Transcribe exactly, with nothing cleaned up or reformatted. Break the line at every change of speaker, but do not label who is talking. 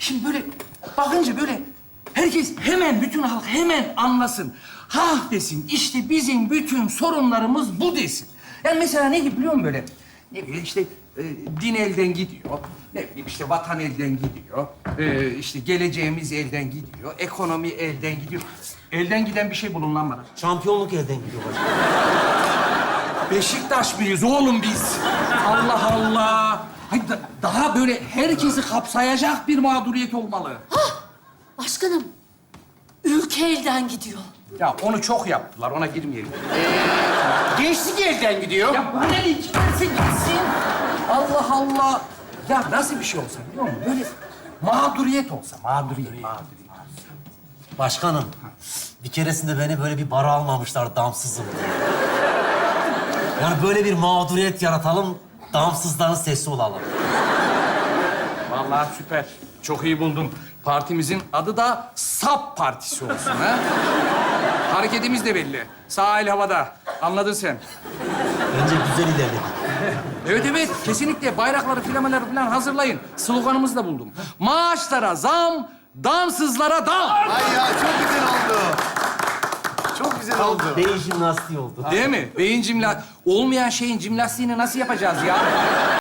Şimdi böyle bakınca böyle herkes hemen, bütün halk hemen anlasın. Ha desin, işte bizim bütün sorunlarımız bu desin. Yani mesela ne gibi biliyor musun böyle? Ne bileyim işte e, din elden gidiyor. Ne bileyim işte vatan elden gidiyor. E, işte geleceğimiz elden gidiyor. Ekonomi elden gidiyor. Elden giden bir şey bulun lan bana.
Şampiyonluk elden gidiyor başkanım.
Beşiktaş mıyız oğlum biz? Allah Allah. Hayır, da- daha böyle herkesi kapsayacak bir mağduriyet olmalı.
Başkanım, ülke elden gidiyor.
Ya onu çok yaptılar, ona girmeyelim.
Gençlik elden gidiyor.
Ya bana ne giderse gitsin. Allah Allah. Ya nasıl bir şey olsa biliyor musun? Böyle mağduriyet olsa, mağduriyet, mağduriyet.
Başkanım, bir keresinde beni böyle bir bara almamışlar damsızım diye. Yani böyle bir mağduriyet yaratalım, damsızların sesi olalım.
Vallahi süper. Çok iyi buldun. Partimizin adı da SAP Partisi olsun ha. Hareketimiz de belli. Sağ el havada. Anladın sen.
Bence güzel ilerledik.
Evet evet, kesinlikle bayrakları, flamaları falan hazırlayın. Sloganımızı da buldum. Maaşlara zam, damsızlara dam.
Ay ya çok güzel oldu. Çok güzel oldu.
Beyin jimnastiği oldu.
Değil mi? Beyin cimla... Olmayan şeyin cimnastiğini nasıl yapacağız ya?